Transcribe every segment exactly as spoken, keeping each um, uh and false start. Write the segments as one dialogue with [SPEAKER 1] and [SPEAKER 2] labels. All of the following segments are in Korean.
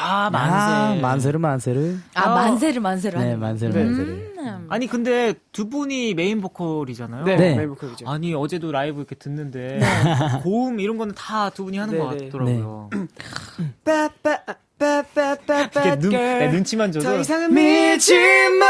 [SPEAKER 1] 아, 만세.
[SPEAKER 2] 아, 만세르 만세르.
[SPEAKER 3] 아, 만세를 만세를.
[SPEAKER 2] 네, 만세르
[SPEAKER 3] 음.
[SPEAKER 2] 만세르.
[SPEAKER 1] 아니 근데 두 분이 메인 보컬이잖아요.
[SPEAKER 4] 네,
[SPEAKER 2] 네.
[SPEAKER 4] 메인 보컬이죠.
[SPEAKER 1] 아니 어제도 라이브 이렇게 듣는데 고음 이런 거는 다 두 분이 하는
[SPEAKER 4] 네,
[SPEAKER 1] 것
[SPEAKER 4] 네.
[SPEAKER 1] 같더라고요.
[SPEAKER 4] 빠빠빠빠빠
[SPEAKER 1] 이렇게 눈, 내 눈치만 줘도
[SPEAKER 4] 더 이상은 밀지 마.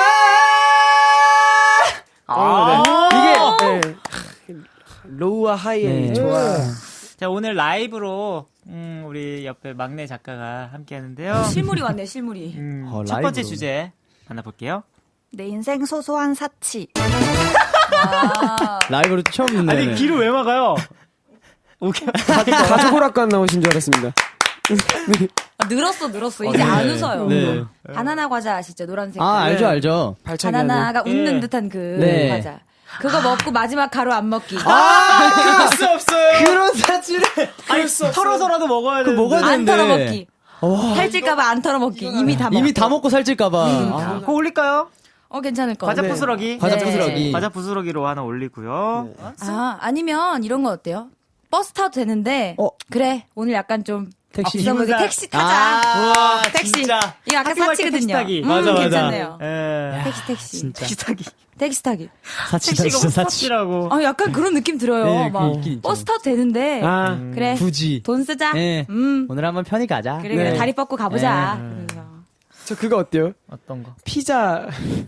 [SPEAKER 1] 아,
[SPEAKER 4] 네. 이게 네. 로우와 하이의
[SPEAKER 2] 네.
[SPEAKER 4] 조화.
[SPEAKER 1] 자 오늘 라이브로 음, 우리 옆에 막내 작가가 함께 하는데요.
[SPEAKER 3] 실물이 왔네, 실물이.
[SPEAKER 1] 음,
[SPEAKER 2] 어,
[SPEAKER 1] 첫 번째
[SPEAKER 2] 라이브로.
[SPEAKER 1] 주제 만나볼게요.
[SPEAKER 5] 내 인생 소소한 사치.
[SPEAKER 3] 아,
[SPEAKER 2] 라이브로 처음 듣네.
[SPEAKER 1] 아니 귀를 왜 막아요? 오케이.
[SPEAKER 4] 가족 오락관 나오신 줄 알았습니다.
[SPEAKER 3] 아, 늘었어, 늘었어. 이제 안
[SPEAKER 2] 네.
[SPEAKER 3] 웃어요.
[SPEAKER 2] 네.
[SPEAKER 3] 바나나 과자 아시죠? 노란색.
[SPEAKER 2] 아, 알죠, 알죠.
[SPEAKER 4] 발차기
[SPEAKER 3] 바나나가
[SPEAKER 1] 예.
[SPEAKER 3] 웃는 듯한 그
[SPEAKER 2] 네.
[SPEAKER 3] 과자. 그거 먹고 마지막 가루 안 먹기.
[SPEAKER 1] 그럴 수 없어요.
[SPEAKER 2] 그런 사치를.
[SPEAKER 1] 아니 털어서라도 먹어야 돼.
[SPEAKER 2] 먹어야
[SPEAKER 3] 안
[SPEAKER 2] 되는데.
[SPEAKER 3] 털어 먹기. 살찔까봐 안 털어 먹기. 이미 다 먹.
[SPEAKER 2] 이미 다 먹고 살찔까봐. 아,
[SPEAKER 1] 그거 올릴까요?
[SPEAKER 3] 어 괜찮을 것
[SPEAKER 1] 과자
[SPEAKER 3] 같아요.
[SPEAKER 1] 부스러기.
[SPEAKER 2] 과자
[SPEAKER 3] 네.
[SPEAKER 2] 부스러기.
[SPEAKER 1] 과자 부스러기로 하나 올리고요.
[SPEAKER 3] 아 아니면 이런 건 어때요? 버스 타도 되는데.
[SPEAKER 2] 어.
[SPEAKER 3] 그래 오늘 약간 좀
[SPEAKER 2] 택시.
[SPEAKER 3] 비상구조
[SPEAKER 1] 기분상-
[SPEAKER 3] 택시 타자.
[SPEAKER 1] 와,
[SPEAKER 3] 택시.
[SPEAKER 1] 진짜.
[SPEAKER 3] 이거 아까
[SPEAKER 1] 학교 갈때
[SPEAKER 3] 사치거든요.
[SPEAKER 1] 택시 타기.
[SPEAKER 3] 음,
[SPEAKER 2] 맞아, 맞아.
[SPEAKER 3] 괜찮네요.
[SPEAKER 1] 예.
[SPEAKER 3] 택시 택시.
[SPEAKER 2] 진짜.
[SPEAKER 1] 택시 타기.
[SPEAKER 3] 택시 타기.
[SPEAKER 2] 사치다,
[SPEAKER 1] 택시가
[SPEAKER 2] 진짜 사치.
[SPEAKER 1] 사치라고.
[SPEAKER 3] 아 약간 그런 느낌 들어요.
[SPEAKER 2] 네,
[SPEAKER 3] 막
[SPEAKER 2] 그 있긴 있죠.
[SPEAKER 3] 버스 타도 되는데.
[SPEAKER 4] 아,
[SPEAKER 1] 음.
[SPEAKER 3] 그래
[SPEAKER 2] 굳이.
[SPEAKER 3] 돈 쓰자.
[SPEAKER 2] 네.
[SPEAKER 3] 음.
[SPEAKER 2] 오늘 한번 편히 가자.
[SPEAKER 3] 그래 그래
[SPEAKER 4] 네.
[SPEAKER 3] 다리 뻗고 가보자.
[SPEAKER 2] 네.
[SPEAKER 3] 그러면서.
[SPEAKER 4] 저 그거 어때요?
[SPEAKER 1] 어떤 거?
[SPEAKER 4] 피자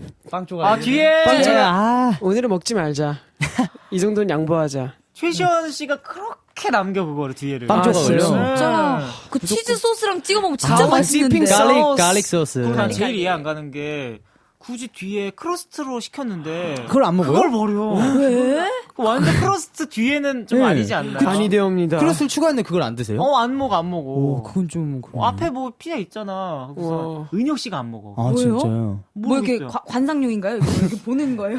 [SPEAKER 2] 빵 조각.
[SPEAKER 1] 아, 뒤에
[SPEAKER 2] 빵 아.
[SPEAKER 4] 오늘은 먹지 말자. 이 정도는 양보하자.
[SPEAKER 1] 최시원 씨가 그렇게 남겨 그거를 뒤에를.
[SPEAKER 2] 빵
[SPEAKER 4] 아,
[SPEAKER 2] 조각을요.
[SPEAKER 4] 진짜요?
[SPEAKER 3] 진짜요.
[SPEAKER 1] 네.
[SPEAKER 3] 그 치즈 소스랑 찍어 먹으면 진짜
[SPEAKER 4] 아,
[SPEAKER 3] 맛있는데.
[SPEAKER 4] 디핑
[SPEAKER 2] 갈릭,
[SPEAKER 4] 소스.
[SPEAKER 2] 갈릭 소스.
[SPEAKER 1] 그리고 난 제일
[SPEAKER 3] 그러니까
[SPEAKER 1] 이해 안 가는 게 굳이 뒤에 크러스트로 시켰는데
[SPEAKER 2] 그걸 안 먹어요?
[SPEAKER 1] 그걸 버려.
[SPEAKER 3] 왜?
[SPEAKER 1] 그 완전 크러스트 뒤에는 좀
[SPEAKER 2] 네.
[SPEAKER 1] 아니지 않나요?
[SPEAKER 4] 간이 되옵니다.
[SPEAKER 2] 크로스를 추가했는데 그걸 안 드세요?
[SPEAKER 1] 어, 안 먹어, 안 먹어.
[SPEAKER 2] 오, 그건 좀.
[SPEAKER 1] 어, 앞에 뭐 피자 있잖아. 그래서
[SPEAKER 4] 우와.
[SPEAKER 1] 은혁 씨가 안 먹어.
[SPEAKER 2] 아,
[SPEAKER 3] 뭐예요?
[SPEAKER 2] 진짜요?
[SPEAKER 3] 뭐 이렇게
[SPEAKER 1] 모르겠어요.
[SPEAKER 3] 과- 관상용인가요? 이거 이렇게 보는 거예요?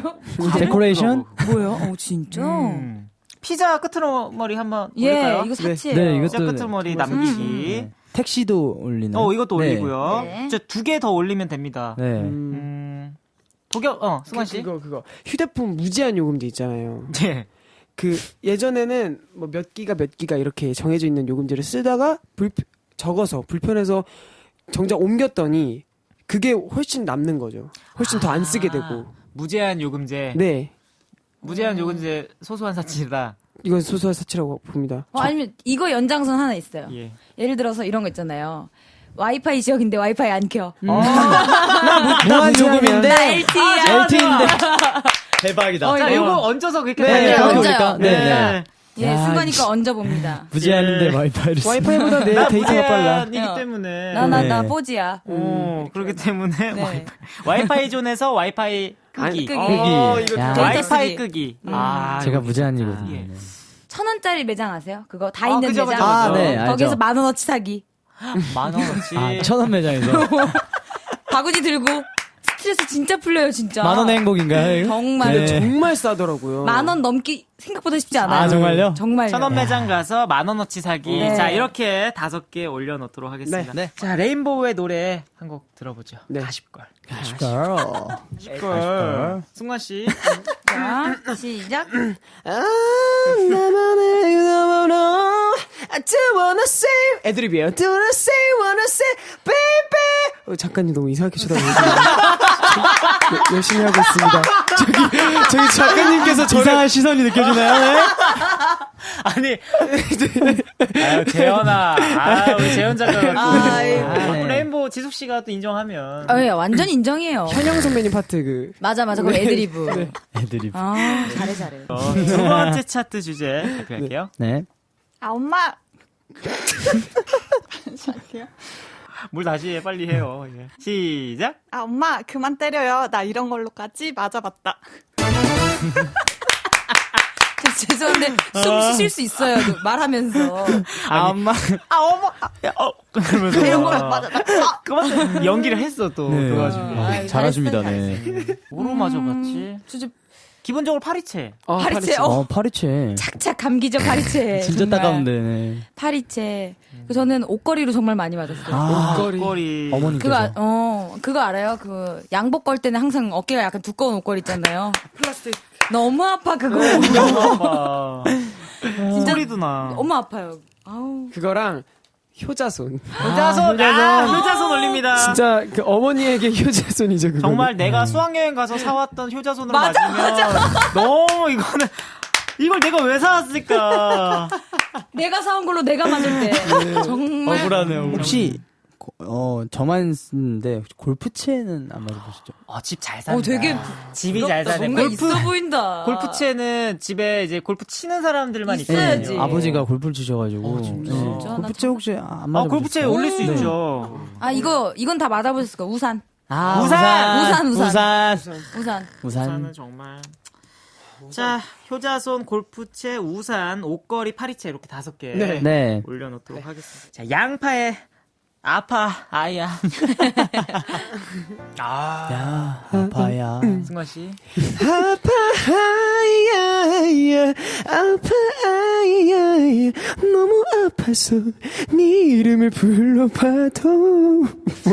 [SPEAKER 2] 데코레이션?
[SPEAKER 3] 뭐예요? 어 진짜?
[SPEAKER 1] 음. 피자 끝으로 머리 한번
[SPEAKER 3] 예,
[SPEAKER 1] 올릴까요?
[SPEAKER 3] 이거 사치예요.
[SPEAKER 2] 네,
[SPEAKER 1] 피자
[SPEAKER 2] 이것도
[SPEAKER 1] 끝으로 머리
[SPEAKER 2] 정말
[SPEAKER 1] 남기기.
[SPEAKER 2] 네. 택시도 올리나요?
[SPEAKER 1] 어, 이것도
[SPEAKER 2] 네.
[SPEAKER 1] 올리고요.
[SPEAKER 3] 네.
[SPEAKER 1] 저 두 개 더 올리면 됩니다.
[SPEAKER 2] 네.
[SPEAKER 4] 음,
[SPEAKER 1] 음. 도겸, 어, 승환 씨.
[SPEAKER 4] 그거 그거 휴대폰 무제한 요금제 있잖아요.
[SPEAKER 1] 네.
[SPEAKER 4] 그 예전에는 뭐 몇 기가 몇 기가 이렇게 정해져 있는 요금제를 쓰다가 불 적어서 불편해서 정작 옮겼더니 그게 훨씬 남는 거죠. 훨씬 더 안 쓰게 되고.
[SPEAKER 1] 무제한 요금제.
[SPEAKER 4] 네.
[SPEAKER 1] 무제한 요금제 소소한 사치다.
[SPEAKER 4] 이건 소소한 사치라고 봅니다.
[SPEAKER 3] 어, 아니면 이거 연장선 하나 있어요.
[SPEAKER 1] 예.
[SPEAKER 3] 예를 들어서 이런 거 있잖아요. 와이파이 지역인데 와이파이 안 켜.
[SPEAKER 2] 무한 요금인데
[SPEAKER 3] 나 엘티이야.
[SPEAKER 2] 엘티이인데 대박이다.
[SPEAKER 3] 어,
[SPEAKER 1] 자,
[SPEAKER 3] 이거.
[SPEAKER 1] 요거 얹어서 그렇게
[SPEAKER 2] 네,
[SPEAKER 3] 네,
[SPEAKER 1] 달려요.
[SPEAKER 2] 그렇게
[SPEAKER 3] 얹어요.
[SPEAKER 2] 올릴까? 네, 네.
[SPEAKER 3] 예,
[SPEAKER 2] 야,
[SPEAKER 3] 순간이니까 얹어봅니다.
[SPEAKER 2] 무제한인데
[SPEAKER 1] 예.
[SPEAKER 2] 와이파이를 쓰.
[SPEAKER 4] 와이파이보다 내
[SPEAKER 1] 나
[SPEAKER 4] 데이터가 빨라.
[SPEAKER 1] 무제한이기
[SPEAKER 3] 어.
[SPEAKER 1] 때문에.
[SPEAKER 3] 나, 나,
[SPEAKER 2] 네.
[SPEAKER 3] 나, 뽀지야.
[SPEAKER 1] 오, 그렇기 때문에
[SPEAKER 3] 네.
[SPEAKER 1] 와이파이, 와이파이 존에서 와이파이 끄기.
[SPEAKER 3] 끄기.
[SPEAKER 1] 어,
[SPEAKER 2] 끄기.
[SPEAKER 1] 이거
[SPEAKER 2] 야.
[SPEAKER 1] 와이파이
[SPEAKER 3] 데이터
[SPEAKER 1] 끄기.
[SPEAKER 3] 음.
[SPEAKER 1] 아,
[SPEAKER 2] 제가
[SPEAKER 1] 이거
[SPEAKER 2] 무제한이거든요.
[SPEAKER 1] 예.
[SPEAKER 3] 천 원짜리 매장 아세요? 그거 다
[SPEAKER 1] 아,
[SPEAKER 3] 있는
[SPEAKER 1] 그죠,
[SPEAKER 3] 매장.
[SPEAKER 1] 그죠,
[SPEAKER 2] 아,
[SPEAKER 1] 그죠.
[SPEAKER 2] 네, 알죠.
[SPEAKER 3] 거기서 만 원어치 사기.
[SPEAKER 1] 만 원어치.
[SPEAKER 2] 아, 천원 매장에서
[SPEAKER 3] 바구니 들고 스트레스 진짜 풀려요, 진짜.
[SPEAKER 2] 만 원의 행복인가요? 이거?
[SPEAKER 3] 정말.
[SPEAKER 2] 네.
[SPEAKER 4] 정말 싸더라고요.
[SPEAKER 3] 만 원 넘기 생각보다 쉽지 않아요.
[SPEAKER 2] 아, 정말요?
[SPEAKER 3] 정말요.
[SPEAKER 1] 천원 매장 가서 만 원어치 사기.
[SPEAKER 3] 네.
[SPEAKER 1] 자, 이렇게 다섯 개 올려놓도록 하겠습니다.
[SPEAKER 2] 네. 네.
[SPEAKER 1] 자, 레인보우의 노래 한 곡 들어보죠.
[SPEAKER 4] 네.
[SPEAKER 1] 가십걸.
[SPEAKER 2] 걸.
[SPEAKER 1] 가십걸. 승관 씨.
[SPEAKER 3] 자, 시작.
[SPEAKER 4] 아, 나만의 너무너 I do wanna say 애드립이에요. Do wanna say, wanna say, baby. 어, 작가님 너무 이상하게 쳐다보시네요. 네, 열심히 하고 있습니다. 저기 저기 작가님께서 저를
[SPEAKER 2] 이상한 시선이 느껴지나요? 네?
[SPEAKER 1] 아니. 아유, 재현아. 아, 우리 재현 작가가.
[SPEAKER 3] 아, 예.
[SPEAKER 1] 또
[SPEAKER 2] 네.
[SPEAKER 1] 레인보우 지숙 씨가 또 인정하면.
[SPEAKER 3] 어, 예, 완전 인정이에요.
[SPEAKER 4] 현영 선배님 파트 그
[SPEAKER 3] 맞아, 맞아. 그거 애드리브.
[SPEAKER 2] 애들이.
[SPEAKER 3] 아, 잘해, 잘해.
[SPEAKER 1] 어, 두 번째 차트 주제 발표할게요.
[SPEAKER 2] 네.
[SPEAKER 5] 아, 엄마.
[SPEAKER 1] 뭘 다시 해, 빨리 해요. 예. 시작.
[SPEAKER 5] 아, 엄마, 그만 때려요. 나 이런 걸로까지 맞아봤다.
[SPEAKER 3] 저 죄송한데, 숨 쉬실 수 있어요. 그 말하면서.
[SPEAKER 1] 아, 엄마.
[SPEAKER 5] 아, 어머. 아,
[SPEAKER 1] 어, 그러면서.
[SPEAKER 5] 이런 걸로 맞아봤다. 아,
[SPEAKER 1] 그만 연기를 했어, 또.
[SPEAKER 2] 네.
[SPEAKER 1] 그래가지고.
[SPEAKER 3] 아,
[SPEAKER 2] 잘하십니다,
[SPEAKER 3] 잘했어요,
[SPEAKER 2] 네.
[SPEAKER 1] 뭐로 맞아봤지?
[SPEAKER 3] 진짜
[SPEAKER 1] 기본적으로 파리채.
[SPEAKER 4] 어,
[SPEAKER 3] 파리채, 어,
[SPEAKER 2] 어, 파리채.
[SPEAKER 3] 착착 감기죠, 파리채.
[SPEAKER 2] 진짜
[SPEAKER 3] 정말.
[SPEAKER 2] 따가운데. 네.
[SPEAKER 3] 파리채. 그 저는 옷걸이로 정말 많이 맞았어요.
[SPEAKER 2] 아,
[SPEAKER 4] 옷걸이.
[SPEAKER 1] 꼬리.
[SPEAKER 2] 어머니께서.
[SPEAKER 3] 그거, 아- 어, 그거 알아요? 그, 양복 걸 때는 항상 어깨가 약간 두꺼운 옷걸이 있잖아요.
[SPEAKER 4] 플라스틱.
[SPEAKER 3] 너무 아파, 그거.
[SPEAKER 1] 너무 아파.
[SPEAKER 3] 진짜
[SPEAKER 1] 소리도 나.
[SPEAKER 3] 너무 아파요. 아우.
[SPEAKER 4] 그거랑 효자손.
[SPEAKER 1] 효자손, 아, 효자손 올립니다.
[SPEAKER 4] 진짜 그 어머니에게 효자손이죠. 그거는.
[SPEAKER 1] 정말 내가 수학여행 가서 사왔던 효자손으로 맞으면 너무 이거는 이걸 내가 왜 사왔을까?
[SPEAKER 3] 내가 사온 걸로 내가 맞을 때 정말
[SPEAKER 1] 억울하네요.
[SPEAKER 2] 혹시 고- 어 저만 쓰는데 혹시 골프채는 안 맞아보시죠?
[SPEAKER 1] 어, 집 잘 산다.
[SPEAKER 3] 어, 되게
[SPEAKER 1] 집이 잘 사네.
[SPEAKER 3] 뭔가
[SPEAKER 1] 골프
[SPEAKER 3] 있어 보인다.
[SPEAKER 1] 골프채는 집에 이제 골프 치는 사람들만
[SPEAKER 3] 있어야지.
[SPEAKER 1] 있거든요.
[SPEAKER 2] 아버지가 골프를 치셔가지고. 네.
[SPEAKER 3] 진짜?
[SPEAKER 2] 골프채 혹시 안
[SPEAKER 1] 아,
[SPEAKER 2] 맞아보셨어요?
[SPEAKER 1] 골프채 올릴 수
[SPEAKER 2] 네.
[SPEAKER 1] 있죠.
[SPEAKER 3] 아 이거 이건 다 맞아보셨을 거야. 우산.
[SPEAKER 2] 아,
[SPEAKER 1] 우산!
[SPEAKER 3] 우산, 우산.
[SPEAKER 2] 우산.
[SPEAKER 3] 우산.
[SPEAKER 2] 우산.
[SPEAKER 1] 우산은 정말. 자, 효자손, 골프채, 우산, 옷걸이, 파리채 이렇게 다섯 개
[SPEAKER 4] 네.
[SPEAKER 2] 네.
[SPEAKER 1] 올려놓도록 하겠습니다. 자, 양파에 아파 아야. 아,
[SPEAKER 2] 야, 아파야.
[SPEAKER 1] 승관 씨.
[SPEAKER 4] 아파야 아파야 너무 아파서 네 이름을 불러봐도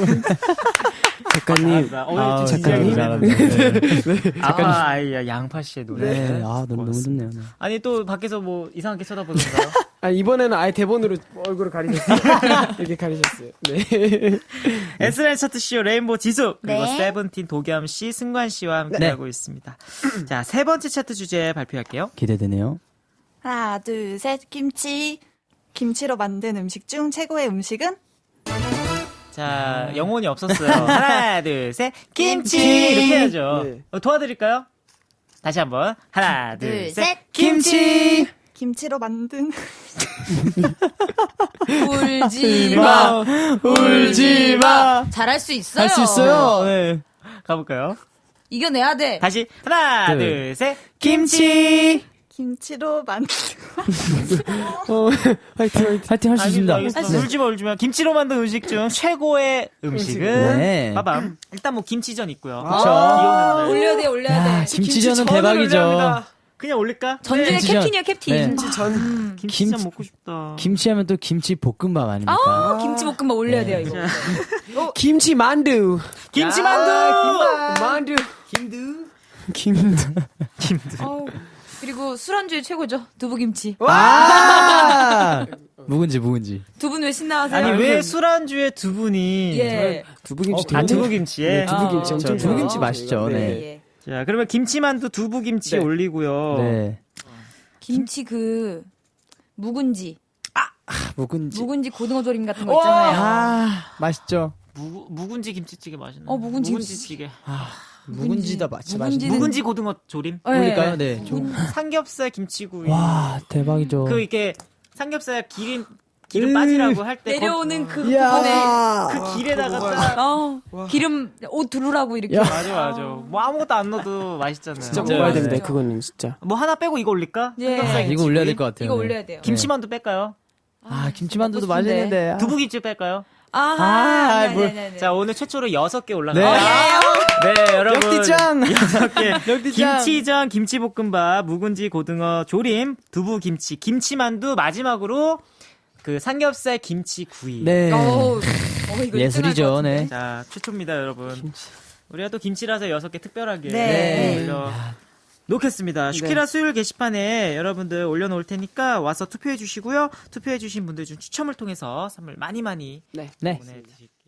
[SPEAKER 4] 작가님
[SPEAKER 1] 아, 어,
[SPEAKER 2] 아,
[SPEAKER 1] 작가님.
[SPEAKER 2] 작가님 잘하네.
[SPEAKER 1] 아파 아야 양파 씨의 노래.
[SPEAKER 2] 네, 아, 너무, 너무 좋네요. 네.
[SPEAKER 1] 아니 또 밖에서 뭐 이상하게 쳐다보던가요?
[SPEAKER 4] 아 이번에는 아예 대본으로 얼굴을 가리셨어요. 이렇게 가리셨어요. 네.
[SPEAKER 1] 에스엔에스 차트쇼 레인보우 지수 그리고
[SPEAKER 3] 네.
[SPEAKER 1] 세븐틴 도겸 씨, 승관 씨와 함께하고 있습니다. 자, 세 번째 차트 주제 발표할게요.
[SPEAKER 2] 기대되네요.
[SPEAKER 5] 하나, 둘, 셋. 김치. 김치로 만든 음식 중 최고의 음식은?
[SPEAKER 1] 자, 영혼이 없었어요. 하나, 둘, 셋. 김치!
[SPEAKER 5] 김치!
[SPEAKER 1] 이렇게 해야죠.
[SPEAKER 4] 네.
[SPEAKER 1] 어, 도와드릴까요? 다시 한번. 하나, 둘,
[SPEAKER 3] 둘,
[SPEAKER 1] 셋.
[SPEAKER 3] 셋.
[SPEAKER 1] 김치!
[SPEAKER 5] 김치로 만든
[SPEAKER 3] 울지 마.
[SPEAKER 2] 울지 마!
[SPEAKER 3] 잘할 수 있어요.
[SPEAKER 2] 할 수 있어요. 네.
[SPEAKER 1] 가볼까요?
[SPEAKER 3] 이겨내야 돼.
[SPEAKER 1] 다시. 하나,
[SPEAKER 2] 둘.
[SPEAKER 1] 둘, 셋. 김치!
[SPEAKER 5] 김치로 만든
[SPEAKER 4] 어, 화이팅 화이팅.
[SPEAKER 2] 파이팅 할 수 있습니다.
[SPEAKER 1] 알겠습니다. 울지 마, 울지 마. 김치로 만든 음식 중 최고의 음식은?
[SPEAKER 2] 네.
[SPEAKER 1] 빠밤. 일단 뭐 김치전 있고요.
[SPEAKER 2] 그쵸.
[SPEAKER 1] 비 오는 날.
[SPEAKER 3] 올려야 돼, 올려야 돼.
[SPEAKER 2] 김치전은
[SPEAKER 1] 전을
[SPEAKER 2] 대박이죠.
[SPEAKER 1] 올려합니다. 그냥 올릴까?
[SPEAKER 3] 전주의
[SPEAKER 2] 김치전.
[SPEAKER 3] 캡틴이야, 캡틴.
[SPEAKER 2] 네.
[SPEAKER 4] 김치전.
[SPEAKER 1] 김치전
[SPEAKER 2] 김치-
[SPEAKER 1] 먹고 싶다.
[SPEAKER 2] 김치하면 또 김치 볶음밥 아닙니까?
[SPEAKER 3] 아, 김치볶음밥 올려야 돼요, 이거.
[SPEAKER 4] 김치 만두.
[SPEAKER 1] 김치만두!
[SPEAKER 4] 만두. 김두. 김두.
[SPEAKER 3] 아우, 그리고 술안주의 최고죠. 두부김치.
[SPEAKER 2] 아! 묵은지, 묵은지.
[SPEAKER 3] 두 분 왜 신나하세요?
[SPEAKER 1] 아니, 왜 술안주에 두 분이.
[SPEAKER 3] 예.
[SPEAKER 4] 두부김치
[SPEAKER 1] 아,
[SPEAKER 4] 되게-
[SPEAKER 1] 두부김치에?
[SPEAKER 4] 네, 두부김치
[SPEAKER 3] 아,
[SPEAKER 4] 엄청
[SPEAKER 2] 저 두부김치
[SPEAKER 4] 좋아요.
[SPEAKER 2] 맛있죠,
[SPEAKER 4] 네.
[SPEAKER 2] 네.
[SPEAKER 3] 예.
[SPEAKER 1] 자, 그러면 김치만두 두부김치
[SPEAKER 4] 네.
[SPEAKER 1] 올리고요.
[SPEAKER 2] 네.
[SPEAKER 3] 김치 그, 묵은지.
[SPEAKER 2] 묵은지.
[SPEAKER 3] 묵은지 고등어 조림 같은 거 있잖아요.
[SPEAKER 2] 아, 맛있죠.
[SPEAKER 1] 무, 묵은지 김치찌개 맛있네.
[SPEAKER 3] 어, 묵은지
[SPEAKER 1] 묵은지찌개.
[SPEAKER 2] 묵은지다 맛, 진짜
[SPEAKER 3] 묵은지는-
[SPEAKER 2] 맛있네.
[SPEAKER 1] 묵은지 고등어 조림.
[SPEAKER 3] 예.
[SPEAKER 2] 올릴까요? 네. 좀.
[SPEAKER 1] 삼겹살 김치구이.
[SPEAKER 2] 와, 대박이죠.
[SPEAKER 1] 그 이렇게 삼겹살 기름 기름 빠지라고 할 때
[SPEAKER 3] 내려오는 그
[SPEAKER 2] 이야.
[SPEAKER 3] 부분에,
[SPEAKER 1] 그 길에다가 딱
[SPEAKER 3] 어, 기름, 옷 두르라고 이렇게.
[SPEAKER 2] 야.
[SPEAKER 1] 맞아 맞아. 뭐 아무것도 안 넣어도 맛있잖아요.
[SPEAKER 4] 진짜
[SPEAKER 2] 진짜요.
[SPEAKER 4] 먹어야
[SPEAKER 2] 네.
[SPEAKER 4] 됩니다. 그거는 진짜.
[SPEAKER 1] 뭐 하나 빼고 이거 올릴까?
[SPEAKER 3] 예.
[SPEAKER 1] 삼겹살
[SPEAKER 2] 아, 이거
[SPEAKER 1] 김치구이?
[SPEAKER 2] 올려야 될 것 같아요.
[SPEAKER 3] 이거
[SPEAKER 2] 네.
[SPEAKER 3] 올려야 돼요.
[SPEAKER 1] 김치만두 뺄까요?
[SPEAKER 2] 아, 김치만두도
[SPEAKER 3] 먹고 싶은데.
[SPEAKER 2] 맛있는데. 아.
[SPEAKER 1] 두부김치 뺄까요?
[SPEAKER 3] 아하.
[SPEAKER 2] 아,
[SPEAKER 3] 네,
[SPEAKER 2] 뭘-
[SPEAKER 3] 네, 네, 네.
[SPEAKER 1] 자 오늘 최초로 여섯 개
[SPEAKER 2] 네.
[SPEAKER 1] 올라가요. 네 여러분.
[SPEAKER 2] 역디짱!
[SPEAKER 1] 여섯 개.
[SPEAKER 2] 역디짱!
[SPEAKER 1] 김치전, 김치볶음밥, 묵은지 고등어 조림, 두부김치, 김치만두 마지막으로 그 삼겹살 김치구이.
[SPEAKER 2] 네.
[SPEAKER 3] 어우, 어, 이거
[SPEAKER 2] 예술이죠,
[SPEAKER 3] 일등 할 것
[SPEAKER 2] 네.
[SPEAKER 3] 같은데.
[SPEAKER 1] 자 최초입니다 여러분. 우리가 또 김치라서 여섯 개 특별하게
[SPEAKER 5] 네.
[SPEAKER 1] 올려 놓겠습니다. 슈키라 수요일 게시판에 여러분들 올려놓을 테니까 와서 투표해 주시고요. 투표해 주신 분들 중 추첨을 통해서 선물 많이 많이
[SPEAKER 4] 네.
[SPEAKER 2] 네.
[SPEAKER 1] 보내드릴게요.